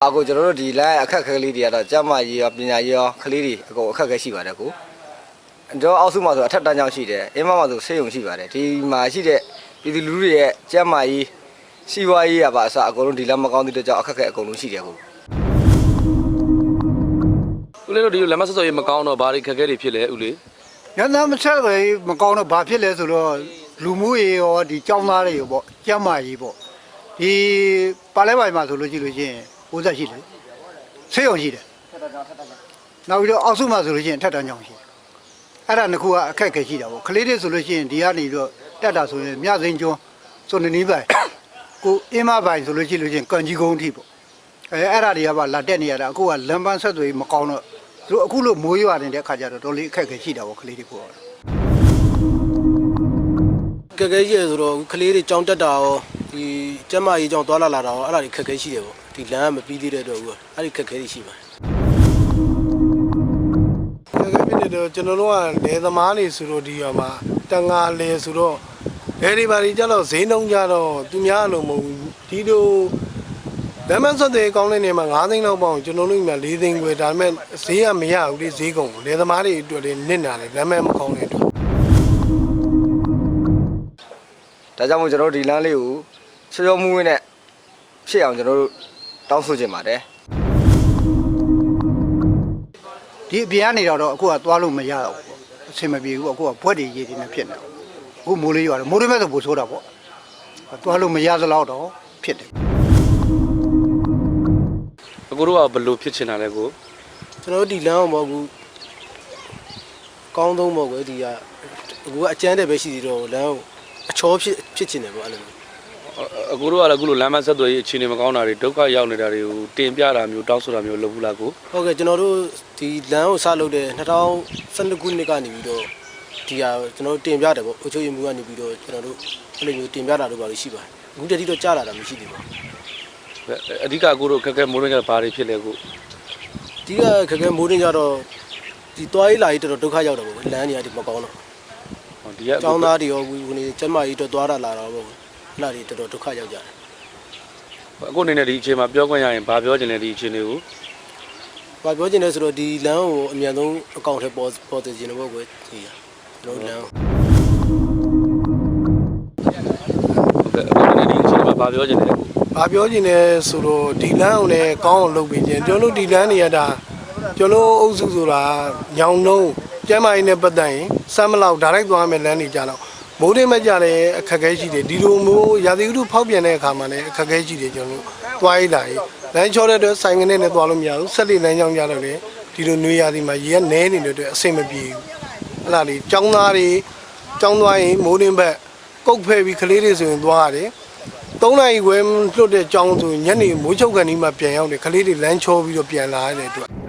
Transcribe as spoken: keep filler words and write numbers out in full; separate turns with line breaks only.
အခုကျွန်တော်တို့ဒီ line အခက်ခဲလေးတွေကတော့ကျမကြီးရောပညာကြီးရောကလေးတွေအကုန်အခက်ခဲရှိပါတယ်ကိုကျွန်တော်အောက်စုမှာဆိုအထက်တန်းကျောင်းရှိတယ်အင်းမမှာဆိုဆေးရုံရှိပါတယ်ဒီမှာရှိတဲ့ပြည်သူလူထုရဲ့ကျမကြီးစီးပွားရေးရပါအစအကုန်လုံးဒီလမ်းမကောင်းတဲ့ကြောင့်အခက်ခဲအကုန်လုံးရှိတယ်ကို
ဦးလေးတို့ဒီလမ်းမဆက်စော်ရေးမကောင်းတော့ဘာတွေခက်ခဲတွေဖြစ်လဲဦးလေး
ညနာမဆက်ပဲမကောင်းတော့ဘာဖြစ်လဲဆိုတော့လူမှုရေးရောဒီကျောင်းသားတွေရောပေါ့ကျမကြီးပေါ့ဒီပါလဲပိုင်းမှာဆိုလို့ရှိလို့ချင်းဘိုးဆက်ရှိတယ်ဆေးရုံရှိတယ်နောက်ပြီးတော့အောက်စုမှာဆိုလို့ချင်းထက်တန်းကျောင်းရှိတယ်အဲ့ဒါနှစ်ခုကအခက်ခဲရှိတာပေါ့ကလေးတွေဆိုလို့ချင်းဒီကနေပြီးတော့တက်တာဆိုရင်မြစိန်ကျွန်းစွန်နီးပိုင်းကိုအင်းမပိုင်းဆိုလို့ရှိလို့ချင်းကန်ကြီးကုန်းထိပေါ့အဲအဲ့ဒါတွေကပါလာတက်နေရတာအခုကလမ်းပန်းဆက်သွယ်မကောင်းတော့သူအခုလို့မိုးရွာနေတဲ့ခါကျတော့တော်လေးအခက်ခဲရှိတာပေါ့ကလေးတွေကို
ခက်ခဲရှိရဆိုတော့ကလေးတွေကြောင်းတက်တာရောဒီကျမကြီးကြောင်းသွားလာလာတာရောအဲ့ဒါတွေခက်ခဲရှိတယ်ပေါ့ဒီလမ်းကမပြီးသေးတဲ့အတွက်ဦးအဲ့ဒီခက်ခဲတွေရှိပါတယ်
ခက်ခဲဖြစ်တဲ့တော့ကျွန်တော်တို့ကလယ်သမားတွေဆိုတော့ဒီရောမှာတန်ငါလယ်ဆိုတော့လယ်တွေပါကြီးကြတော့ဈေးနှုန်းကြတော့သူများလို့မဟုတ်ဘူးဒီလိုလမ်းမဆက်တဲ့ကောင်းတဲ့နေမှာ၅သိန်းလောက်ပေါအောင်ကျွန်တော်တို့က၄သိန်းခွဲဒါပေမဲ့ဈေးကမရဘူးလေဈေးကုန်လယ်သမားတွေအတွက်လည်းနစ်နာတယ်လမ်းမမကောင်းတဲ့အတွက်
ဒါကြောင့်မို့ကျွန်တော်တို့ဒီလမ်းလေးကိုချောချောမွေးမွေးနဲ့ဖြစ်အောင်ကျွန်တော်တို့တောင်းဆိုချင်ပါတယ်
ဒီအပြင်ကနေတော့အခုကသွားလို့မရတော့ဘူးအဆင်မပြေဘူးအခုကဘွက်တွေရေတွေနဲ့ဖြစ်နေတယ်အခုမိုးလေးရွာတယ်မိုးလေးမဲ့ဆိုပိုဆိုးတာပေါ့သွားလို့မရသလောက်တော့ဖြစ်တယ်
အခုတို့ကဘယ်လိုဖြစ်ချင်တာလဲကို
ကျွန်တော်တို့ဒီလမ်းအောင်ပေါ့ကူကောင်းဆုံးပေါ့ကွယ်ဒီကအခုကအကျန်းတဲ့ပဲရှိသေးတော့လမ်းအချောဖြစ်ဖြစ်ချင်တယ်ပေါ့အဲ့လို
အခုတို့ကလည်းအခုလိုလမ်းမဆက်သွယ်ရေးအခြေအနေမကောင်းတာတွေဒုက္ခရောက်နေတာတွေကိုတင်ပြတာမျိုးတောင်းဆိုတာမျိုးလုပ်ဘူးလားကို
ဟုတ်ကဲ့ကျွန်တော်တို့ဒီလမ်းကိုစလုပ်တဲ့၂၀၁၂ခုနှစ်ကနေပြီးတော့ဒီဟာကျွန်တော်တို့တင်ပြတယ်ပေါ့အချို့ရမှုကနေပြီးတော့ကျွန်တော်တို့အဲ့လိုမျိုးတင်ပြတာတို့ပါလို့ရှိပါတယ်အခုတတိတော့ကြားလာတာမရှိသေးပါဘူး
အဓိကကိုတို့ခက်ခဲမိုးရင်းကဘာတွေဖြစ်လဲကို
အဓိကခက်ခဲမိုးရင်းကြတော့ဒီတွားရေးလာရေးတော်တော်ဒုက္ခရောက်တယ်ပေါ့လမ်းနေရာဒီမကောင်းတော့
ဒီက
ကျောင်းသားတွေရောခုနေကျမကြီးတော့သွားတာလာတော့ပေါ့လာတွေတော်တော်ဒုက္ခရောက်ကြတယ်
အခုအနေနဲ့ဒီအချိန်မှာပြောခွင့်ရရင်ဘာပြောချင်လဲဒီအချိန်လေးကို
ဘာပြောချင်လဲဆိုတော့ဒီလမ်းကိုအမြန်ဆုံးအကောင့်ထဲပေါ်ပေါ်တင်နေဖို့ကွယ်ဒီကျွန်တော်လမ်း
ဟုတ်ကဲ့အခုအနေနဲ့ဒီအချိန်မှာဘာပြောချင်လဲ
ဘာပြောချင်လဲဆိုတော့ဒီလမ်းကိုလည်းကောင်းအောင်လုပ်ပေးခြင်းကျွန်တော်တို့ဒီလမ်းနေရတာကျွန်တော်အုပ်စုဆိုတာညောင်နှုံးကျမ်းမာရေးနဲ့ပတ်သက်ရင်စမ်းမလောက်ဒါရိုက်သွားမယ်လမ်းနေကြတော့မိုးရင်းမကြတဲ့အခက်အခဲရှိတယ်ဒီလိုမျိုးရာသီဥတုဖောက်ပြန်တဲ့အခါမှာလည်းအခက်အခဲရှိတယ်ကျွန်တော်တို့သွားရလာရေးလမ်းချောတဲ့အတွက်ဆိုင်ကနေနဲ့သွားလို့မရဘူးဆက်လက်လမ်းကြောင်းကြတော့လေဒီလိုနွေရာသီမှာရေကနဲနေတဲ့အတွက်အဆင်မပြေဘူးအဲ့ဒါလေးចောင်းသားတွေចောင်းသွားရင်မိုးရင်းဘက်ကုတ်ဖဲပြီးကလေးတွေဆိုရင်သွားရတယ်သုံးနိုင်ခွဲလွတ်တဲ့ចောင်းဆိုညနေမိုးချုပ်ကန်ဒီမှာပြန်ရောက်တယ်ကလေးတွေလမ်းချောပြီးတော့ပြန်လာရတဲ့အတွက်